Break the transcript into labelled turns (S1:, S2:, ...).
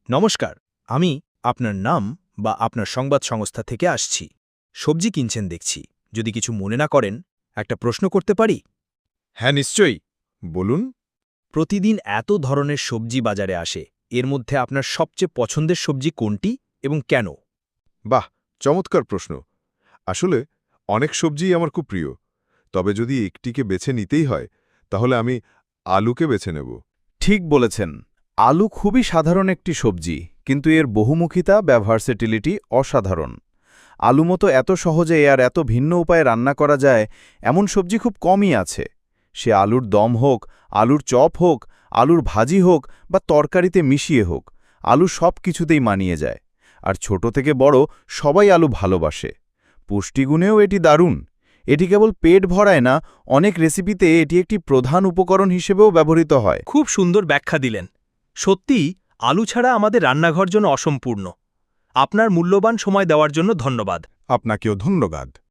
S1: নমস্কার, আমি আপনার নাম বা আপনার সংবাদ সংস্থা থেকে আসছি। সবজি কিনছেন দেখছি। যদি কিছু মনে না করেন, একটা প্রশ্ন করতে পারি?
S2: হ্যাঁ, নিশ্চয়ই। বলুন।
S1: প্রতিদিন এত ধরনের সবজি বাজারে আসে। এর মধ্যে আপনার সবচেয়ে পছন্দের সবজি কোনটি এবং কেন?
S2: বাহ, চমৎকার প্রশ্ন। আসলে অনেক সবজিই আমার খুব প্রিয়। তবে যদি একটিকে বেছে নিতেই হয়, তাহলে আমি আলুকে বেছে নেব।
S3: ঠিক বলেছেন। আলু খুবই সাধারণ একটি সবজি, কিন্তু এর বহুমুখিতা বা ভার্সেটিলিটি অসাধারণ। আলু মতো এত সহজে আর এত ভিন্ন উপায়ে রান্না করা যায় এমন সবজি খুব কমই আছে। সে আলুর দম হোক, আলুর চপ হোক, আলুর ভাজি হোক বা তরকারিতে মিশিয়ে হোক, আলু সব কিছুতেই মানিয়ে যায়। আর ছোট থেকে বড় সবাই আলু ভালোবাসে। পুষ্টিগুণেও এটি দারুণ। এটি কেবল পেট ভরায় না, অনেক রেসিপিতে এটি একটি প্রধান উপকরণ হিসেবেও ব্যবহৃত হয়।
S1: খুব সুন্দর ব্যাখ্যা দিলেন। সত্যিই আলু ছাড়া আমাদের রান্নাঘর জন্য অসম্পূর্ণ। আপনার মূল্যবান সময় দেওয়ার জন্য ধন্যবাদ।
S2: আপনাকেও ধন্যবাদ।